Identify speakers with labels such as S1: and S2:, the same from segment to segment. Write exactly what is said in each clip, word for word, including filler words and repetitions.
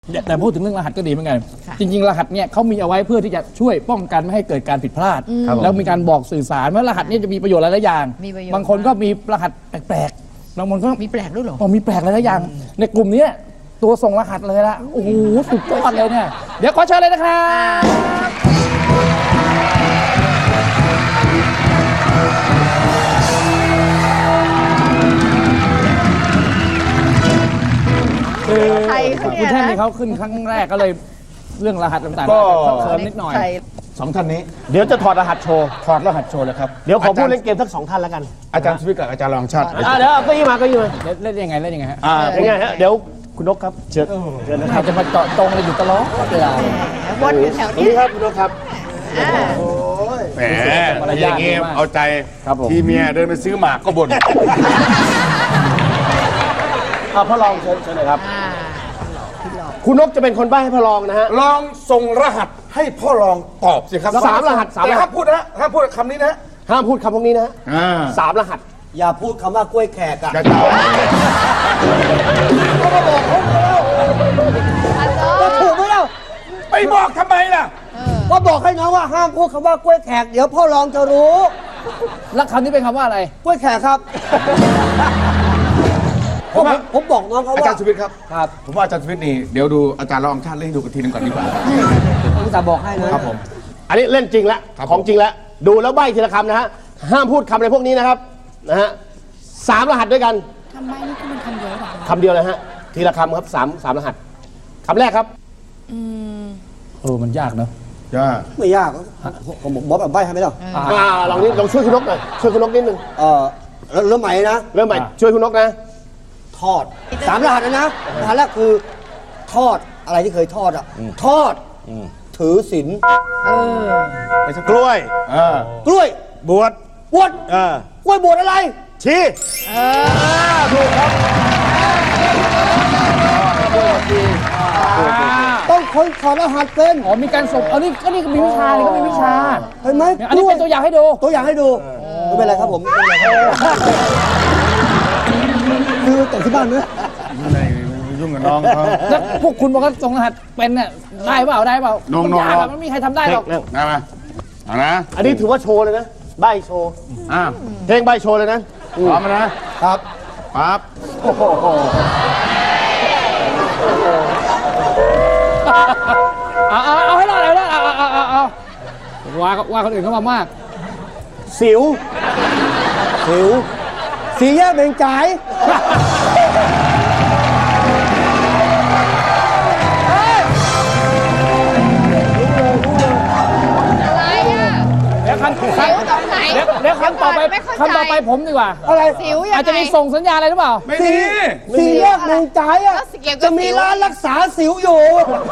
S1: แต่พูดถึงเรื่องรหัสก็ดีเหมือนกันจริงๆรหัสเนี่ยเขามีเอาไว้เพื่อที่จะช่วยป้องกันไม่ให้เกิดการผิดพลาดแล้วมีการบอกสื่อสารว่ารหัสนี้จะมีประโยชน์หลายๆอย่างบางคนก็มีรหัสแปลกๆบางคนก็
S2: มีแปลกด้วยหรอ
S1: อ๋อมีแปลกหลายๆอย่างในกลุ่มนี้ตัวส่งรหัสเลยละโอ้โหสุดยอดเลยเนี่ยเดี๋ยวขอเชิญเลยนะครับคือคุณแท่นนี่เขาขึ้นครั้งแรกก็เลยเรื่องรหัสต่างๆก็เขินนิดหน่อย
S3: สองท่านนี้
S4: เดี๋ยวจะถอดรหัสโชว์
S3: ถอดรหัสโชว์เลยครับ
S4: เดี๋ยวขอพูดเล่นเกมทั้งสองท่านแล้วกัน
S3: อาจารย์สวิทย์กับอาจารย์รองชาติ
S4: เดี๋ยวก็ยี่มาก็ยี่มา
S1: เล่นยังไงเล่นยังไงฮะ
S4: ยังไงฮะเดี๋ยวคุณนกครับเชิญ
S1: เชิญนะครับจะมาเจาะตรงเลยอยู่ตลอดเวลา
S2: วนอยู่แถวนี้
S4: ครับคุณนกครับ
S3: แหมอย่างงี้เอาใจทีเมียเดินไปซื้อหมากก็บ่น
S4: เอาพ่อรองเชิญเชิญเลยครับคุณนกจะเป็นคนใบ้ให้พ่อรองนะฮะ
S3: ลองส่งรหัสให้พ่อรองตอบสิครับ
S4: สามรหัสสามรหัส
S3: ห้ามพูดนะห้ามพูดคำนี้นะ
S4: ห้ามพูดคำพวกนี้นะสามรหัส
S5: อย่าพูดคำว่ากล้วยแขกอะ
S3: อย่าตอบ
S5: ก็มาบอกเขาแล้วถูกไหมล่ะ
S3: ไปบอกทำไมล่ะ
S5: ก็บอกให้น้องว่าห้ามพูดคำว่ากล้วยแขกเดี๋ยวพ่อรองจะรู้
S1: แล้วคำนี้เป็นคำว่าอะไร
S5: กล้วยแขกครับผมผมบอกน้องเขาว่า
S3: อาจารย์สวิทย์ครับครับผมว่าอาจารย์สวิทย์นี่เดี๋ยวดูอาจารย์รองชาติเล่นดูกันทีนึงก่อนดีกว่า
S5: ผมจะบอกให้นะครับ
S3: ผม
S4: อันนี้เล่นจริงแล้วของจริงแล้วดูแล้วใบ้ทีละคำนะฮะห้ามพูดคำอะไรพวกนี้นะครับนะฮะสามรหัสด้วยกัน
S2: ทำไมนี่คือมันคำเดียวหรอ
S4: คำเดียวเลยฮะทีละคำครับสามสามรหัสคำแรกครับ
S1: อืมเออมันยากเนอะ
S3: ยาก
S5: ไม่ยากผมบอกแบบใบ้ให้ไหมล่ะ
S4: อ่าลองนี้ลองช่วยคุณนกหน่อยช่วยคุณนกนิดนึง
S5: เออเริ่มใหม่นะ
S4: เริ่มใหม่ช่วยคุณนกนะ
S5: ทอดสามรหัสนะนะรหัสแรกคือทอดอะไรที่เคยทอดอ่ะทอดถือศีล
S4: ไปสักกล้วย
S5: กล้วย
S4: บวช
S5: บวชกล้วยบวชอะไร
S4: ชี้
S5: ถูกครับต้องคนถอดรหัสเป็น
S1: อ๋อมีการส่งอันนี้ก็นี่ก็มีวิชานี่ก็มีวิชา
S5: เห็นไหม
S1: อันนี้เป็นตัวอย่างให้ดู
S5: ตัวอย่างให้ดูไม่เป็นไรครับผมคือแต่ที่บ้านเนี่ย
S3: ยุ่งกับน้องเขา
S1: แล้วพวกคุณบอกว่าส่งรหัสเป็นเนี่ยได้เปล่าได้เปล่า
S3: น้อง
S1: ๆมันไม่มีใครทำได้หรอก
S3: ได้ไหมเอานะ
S4: อันนี้ถือว่าโชว์เลยนะใบโชว์
S3: อ่า
S4: เพลงใบโชว์เลยนะ
S3: พร้อมนะครับปั๊บ
S1: โอ้โหเอาเอาเอาให้รอดเลยนะเอาเอาเอาเอาว่าว่าคนอื่นเข้ามามาก
S5: สิวสิวสีแยกเบ่งจ่าย
S2: อะไรอ่ะ
S1: เดี๋ยวคันคันเดี๋ยวเดี๋ยวคันต่อไปคันต่อไปผมดีกว่า
S5: อะไร
S2: สิวยังไง
S1: อาจจะมีส่งสัญญาอะไรหรือเปล่า
S3: ไม่มี
S5: สีแยกเบ่งจ่ายอ่ะจะมีร้านรักษาสิวอยู่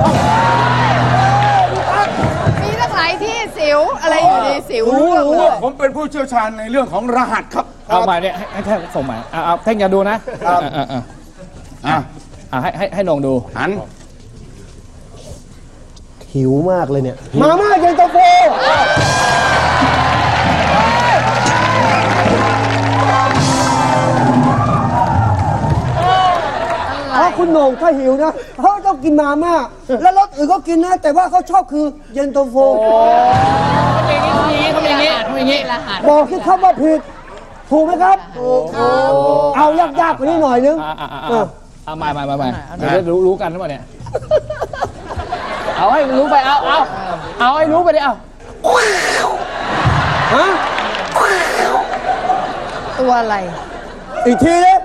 S2: มีตั้งหลายที่สิวอะไรอยู่ในสิว
S3: ผมเป็นผู้เชี่ยวชาญในเรื่องของรหัสครับ
S1: เอาใหม่เนี่ยให้แท่งส่งใหม่เอาเอาแท่งอย่าดูนะอ่าอ่าอ่าอ่าให้ให้ให้ลองดู
S3: หัน
S4: หิวมากเลยเนี่ย
S5: มาม่าเย็นตาโฟเพราะคุณโหน่งถ้าหิวนะเขาต้องกินมาม่าแล้วรสอื่นก็กินนะแต่ว่าเขาชอบคือเย็นตาโฟ
S1: เขาเป็นอย่างนี้เขาเป็นอย่างนี้
S5: บอกที่เขาว่าผิดถูกไหมครับถูกครับเอายากๆกว่านี้หน่อยนึง
S1: เอามามามามาเดี๋ยวรู้รู้กันหรือเปล่าเนี่ยเอาให้รู้ไปเอาเอาเอาให้รู้ไปดิเอา
S5: ฮะ
S2: ตัวอะไร
S5: อีกทีเลย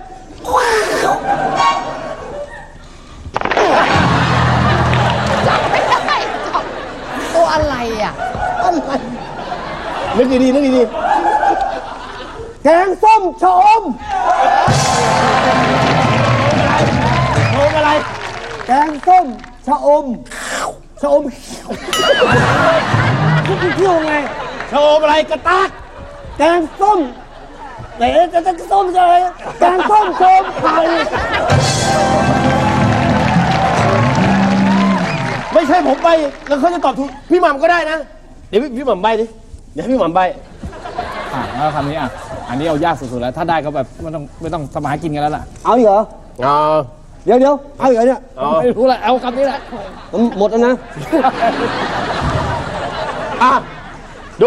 S2: จับไม่ได้จับตัวอะไรอ่ะอะไร
S4: นึกดีๆนึกดี
S5: ๆแกงส้มชะอมชะอมอะไรแกงส้มชะอมชะอมคุณเที่ยวไง
S4: ชะอมอะไรกระตาก
S5: แกงส้มไหนจะจะส้มอะไรแกงส้มชะอมไข่
S4: ไม่ใช่ผมใบแล้วเขาจะตอบถูกพี่หม่ำก็ได้นะเดี๋ยวพี่หม่ำใบดิเดี๋ยวพี่หม่ำใบ
S1: อ่ะแล้วคำนี้อ่ะอันนี้เอายากสุดๆแล้วถ้าได้ก็แบบไม่ต้องไม่ต้องทำมาหากินกันแล้วล่ะ
S5: เอาเหรอ
S4: เอา
S5: เดี๋ยวเดี๋ยวเอาอีกแล้วเนี่ย
S1: ไม่รู้ละเอาคำนี้แหละ
S5: มันหมดแล้วนะ
S4: อ่ะ ดู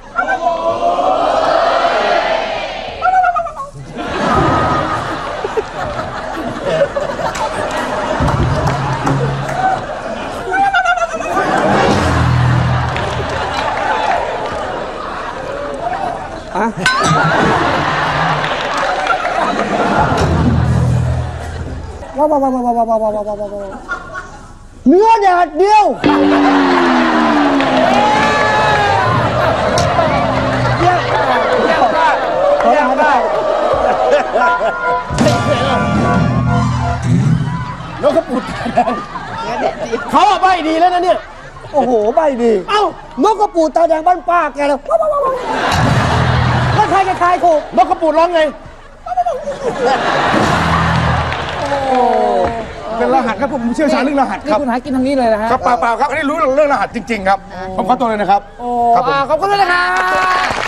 S5: ว้าวว้าวว้าวว้าวว้าวว้าวว้าวว้าวว้าวเนื้อแดดเดียวขอทานได้
S4: นกกระปุดเขาอะใบดีแล้วนะเนี่ย
S5: โอ้โหใบดี
S4: เอ้า
S5: นกกระปูดตาแดงบ้านป้าแกแล้วว้าวว้าวว้าวแล้วใครจะทายถูก
S4: นกกระปุดร้องไง
S3: เป็นรหัสครับผมเชี่ยวชาญเรื่องรหัส
S1: นี่
S3: ครับ
S1: คุณหากินทางนี้เลยนะฮะ
S3: ครับเปล่าๆครับอันนี้รู้เรื่องรหัสจริง ๆ ครับผมขอตัวเลยนะครับ
S1: โอ้อ่าขอบคุณด้วยนะครับ